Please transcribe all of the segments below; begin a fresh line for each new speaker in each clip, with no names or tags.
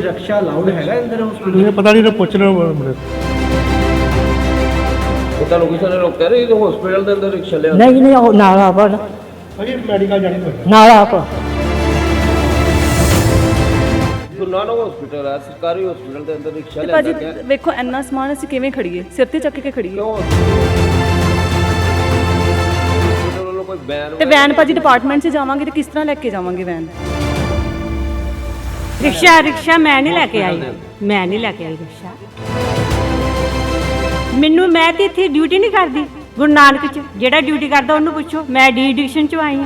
रक्षा allowed हैगा अंदर hospital?
मुझे पता नहीं, पूछ रहे हो मुझे।
ਤੁਹਾਨੂੰ ਕਿਸੇ ਨੇ ਲੋਕ ਕਹਿ ਰਹੇ ਇਹ ਹਸਪੀਟਲ ਦੇ ਅੰਦਰ ਰਿਕਸ਼ਾ ਲਿਆ
नहीं नहीं वो नाला पर
अभी मेडिकल जाने को
नाला पर
ਗੁਰੂ ਨਾਨਕ ਹਸਪੀਟਲ ਹੈ ਸਰਕਾਰੀ ਹਸਪੀਟਲ ਦੇ ਅੰਦਰ ਰਿਕਸ਼ਾ ਲਿਆ
ਭਾਜੀ
ਗਿਆ
ਵੇਖੋ ਇੰਨਾ ਸਮਾਨ ਅਸੀਂ ਕਿਵੇਂ ਖੜੀਏ, ਸਿਰ ਤੇ ਚੱਕ ਕੇ ਖੜੀਏ।
ਕਿਉਂ ਹਸਪੀਟਲ ਵੱਲੋਂ ਕੋਈ ਬੈਨ
ਤੇ ਵੈਨ ਭਾਜੀ ਡਿਪਾਰਟਮੈਂਟ 'ਚ ਜਾਵਾਂਗੇ ਤੇ ਕਿਸ ਤਰ੍ਹਾਂ ਲੈ ਕੇ ਜਾਵਾਂਗੇ ਵੈਨ?
ਰਿਕਸ਼ਾ ਮੈਂ ਨਹੀਂ ਲੈ ਕੇ ਆਈ, ਮੈਂ ਨਹੀਂ ਲੈ ਕੇ ਆਈ ਰਿਕਸ਼ਾ। ਮੈਨੂੰ ਮੈਂ ਤੇ ਇੱਥੇ ਡਿਊਟੀ ਨਹੀਂ ਕਰਦੀ ਗੁਰੂ ਨਾਨਕ ਚ, ਜਿਹੜਾ ਡਿਊਟੀ ਕਰਦਾ ਉਹਨੂੰ ਪੁੱਛੋ। ਮੈਂ ਡੀ ਐਡਿਕਸ਼ਨ ਚ ਆਈ ਹਾਂ।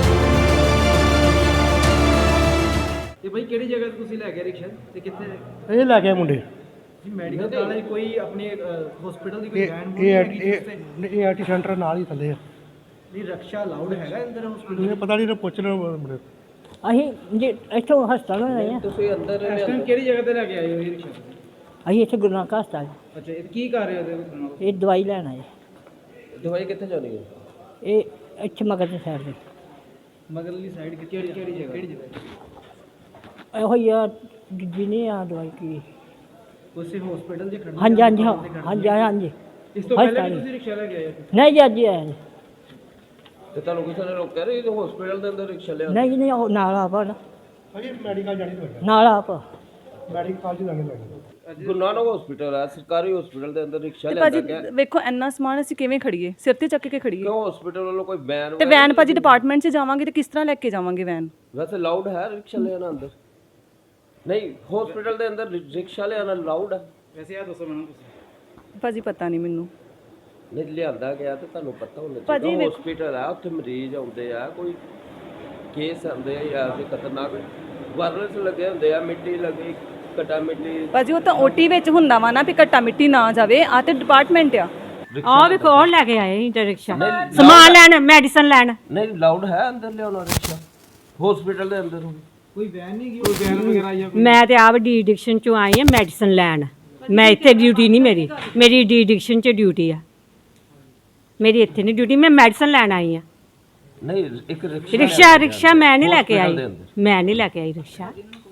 ਤੇ ਭਾਈ ਕਿਹੜੀ ਜਗ੍ਹਾ ਤੇ ਤੁਸੀਂ ਲੈ ਗਏ ਰਿਕਸ਼ਾ ਤੇ ਕਿੱਥੇ?
ये ला गया मुंडे
ਜੀ ਮੈਡੀਕਲ ਕਾਲਜ ਕੋਈ ਆਪਣੇ ਹਸਪੀਟਲ ਦੀ ਕੋਈ ਵੈਨ
ये आईटी सेंटर नाल ही थले
ਨਹੀਂ ਰक्षा ਅਲਾਉਡ ਹੈਗਾ ਅੰਦਰ ਹਸਪੀਟਲ?
मुझे पता नहीं, पूछ रहे हो मुझे।
ਅਸੀਂ ਜੇ ਇੱਥੋਂ ਹਸਪਤਾਲ ਆਏ ਆ,
ਤੁਸੀਂ ਅੰਦਰ
ਇਸ ਟਾਈਮ ਕਿਹੜੀ ਜਗ੍ਹਾ ਤੇ ਲੈ ਕੇ ਆਏ ਹੋ ਇਹ ਰਿਕਸ਼ਾ?
ਅਸੀਂ ਇੱਥੇ ਗੁਰੂ ਨਾਨਕ ਹਸਪਤਾਲ
ਅੱਛਾ ਇਹ ਕੀ ਕਰ ਰਹੇ ਹੋ ਇਹਦੇ ਨਾਲ?
ਇਹ ਦਵਾਈ ਲੈਣ ਆਏ।
ਦਵਾਈ ਕਿੱਥੇ ਜਾਣੀ ਹੈ
ਇਹ ਇੱਥੇ ਮਗਰ ਦੀ ਸਾਈਡ ਤੇ
ਮਗਰਲੀ ਸਾਈਡ ਕਿਹੜੀ ਜਗ੍ਹਾ? ਕਿਹੜੀ ਜਗ੍ਹਾ?
ਇਹੋ ਹੀ ਆ ਜਿਹਨੇ ਆ ਦਵਾਈ ਕੀ।
ਉਸੇ ਹਸਪੀਟਲ 'ਚ ਖੜਨਾ?
ਹਾਂਜੀ ਹਾਂਜੀ ਹਾਂਜੀ ਹਾਂਜੀ
ਇਸ ਤੋਂ ਪਹਿਲੇ ਵੀ
ਹਸਪਤਾਲ।
ਤੁਸੀਂ ਰਿਕਸ਼ਾ ਲੈ ਕੇ ਆਏ ਹੋ?
ਨਹੀਂ ਜੀ ਅੱਜ ਹੀ ਆਏ ਜੀ।
ਤੇ ਤੁਹਾਨੂੰ ਕਿਸੇ ਨੇ ਲੋਕ ਕਹਿ ਰਹੇ ਇਹ ਹਸਪੀਟਲ ਦੇ ਅੰਦਰ ਰਿਕਸ਼ਾ ਲਿਆ
ਨਹੀਂ ਨਹੀਂ ਉਹ ਨਾਲਾ ਪਰ
अभी मेडिकल जाने को
ਨਾਲਾ पर
मेडिकल जाने लगे।
ਗੁਰੂ ਨਾਨਕ ਹਸਪੀਟਲ ਹੈ ਸਰਕਾਰੀ ਹਸਪੀਟਲ ਦੇ ਅੰਦਰ ਰਿਕਸ਼ਾ
ਤੇ
ਲਿਆ
ਭਾਜੀ
ਗਿਆ
ਵੇਖੋ ਇੰਨਾ ਸਮਾਨ ਅਸੀਂ ਕਿਵੇਂ ਖੜੀਏ, ਸਿਰ ਤੇ ਚੱਕ ਕੇ ਖੜੀਏ।
ਕਿਉਂ ਹਸਪੀਟਲ ਵੱਲੋਂ ਕੋਈ ਬੈਨ
ਤੇ ਵੈਨ ਭਾਜੀ ਡਿਪਾਰਟਮੈਂਟ 'ਚ ਜਾਵਾਂਗੇ ਤੇ ਕਿਸ ਤਰ੍ਹਾਂ ਲੈ ਕੇ ਜਾਵਾਂਗੇ ਵੈਨ?
ਵੈਸੇ ਲਾਊਡ ਹੈ ਰਿਕਸ਼ਾ ਲਿਆਣਾ ਅੰਦਰ? ਨਹੀਂ ਹਸਪੀਟਲ ਦੇ ਅੰਦਰ ਰਿਕਸ਼ਾ ਲਿਆਣਾ ਲਾਊਡ ਹੈ?
ਵੈਸੇ ਇਹ ਦੱਸੋ ਮੈਨੂੰ ਤੁਸੀਂ।
ਭਾਜੀ ਪਤਾ ਨਹੀਂ ਮੈਨੂੰ।
ਨਹੀਂ ਲਿਆਂਦਾ ਗਿਆ ਤੇ ਤੁਹਾਨੂੰ ਪਤਾ ਹੋਣਾ
ਭਾਜੀ
ਚਾਹੀਦਾ
ਵੇਖੋ-
ਹਸਪੀਟਲ ਆ ਉੱਥੇ ਮਰੀਜ਼ ਆਉਂਦੇ ਆ ਕੋਈ ਕੇਸ ਆਉਂਦੇ ਆ ਯਾਰ ਦੇ ਖਤਰਨਾਕ ਵਾਇਰਸ ਲੱਗੇ ਹੁੰਦੇ ਆ ਮਿੱਟੀ ਲੱਗੀ ਕਟਾ ਮਿੱਟੀ
ਭਾਜੀ ਉਹ ਤਾਂ ਓਟੀ ਵਿੱਚ ਹੁੰਦਾ ਵਾ ਨਾ ਵੀ ਘੱਟਾ ਮਿੱਟੀ ਨਾ ਜਾਵੇ। ਆ ਤੇ ਡਿਪਾਰਟਮੈਂਟ ਆ।
ਆਹ ਵੇਖੋ ਉਹ ਲੈ ਕੇ ਆਏ ਇੰਟਰ ਰਿਕਸ਼ਾ, ਸਮਾਨ ਲੈਣ, ਮੈਡੀਸਨ ਲੈਣ।
ਨਹੀਂ ਲਾਊਡ ਹੈ ਅੰਦਰ ਲਿਆਉਣਾ ਰਿਕਸ਼ਾ ਹਸਪੀਟਲ ਦੇ ਅੰਦਰ
ਕੋਈ ਵੈਨ ਨਹੀਂ ਗਈ? ਕੋਈ ਵੈਨ ਵਗੈਰਾ ਆਈ ਆ?
ਮੈਂ ਤੇ ਆਪ ਡੀ ਐਡਿਕਸ਼ਨ ਚੋਂ ਆਈ ਹਾਂ ਮੈਡੀਸਨ ਲੈਣ। ਮੈਂ ਇੱਥੇ ਡਿਊਟੀ ਨਹੀਂ ਮੇਰੀ ਡੀ ਐਡਿਕਸ਼ਨ ਚ ਡਿਊਟੀ ਆ। ਮੇਰੀ ਇੱਥੇ ਨਹੀਂ ਡਿਊਟੀ, ਮੈਂ ਮੈਡੀਸਨ ਲੈਣ ਆਈ ਹਾਂ।
ਨਹੀਂ ਇੱਕ ਰਿਕਸ਼ਾ
ਰਿਕਸ਼ਾ ਮੈਂ ਨਹੀਂ ਲੈ ਕੇ ਆਈ,
hospital ਦੇ ਅੰਦਰ।
ਮੈਂ ਨਹੀਂ ਲੈ ਕੇ ਆਈ ਰਿਕਸ਼ਾ।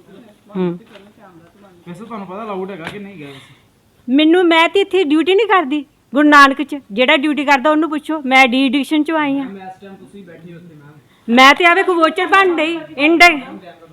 ਵੈਸੇ ਤੁਹਾਨੂੰ ਪਤਾ ਅਲਾਉਡ ਹੈਗਾ ਕਿ ਨਹੀਂ ਗਿਆ ਵੈਸੇ?
ਮੈਨੂੰ ਮੈਂ ਤੇ ਇੱਥੇ ਡਿਊਟੀ ਨਹੀਂ ਕਰਦੀ ਗੁਰੂ ਨਾਨਕ ਚ, ਜਿਹੜਾ ਡਿਊਟੀ ਕਰਦਾ ਉਹਨੂੰ ਪੁੱਛੋ। ਮੈਂ ਡੀ ਐਡਿਕਸ਼ਨ ਚ ਆਈ ਹਾਂ।
ਇਸ ਟਾਈਮ ਤੁਸੀਂ ਬੈਠੇ ਹੋ ਉੱਥੇ ਮੈਮ?
ਮੈਂ ਤੇ ਆਵੇ ਕੋ ਵੋਚਰ ਬਣ ਗਈ ਇੰਡ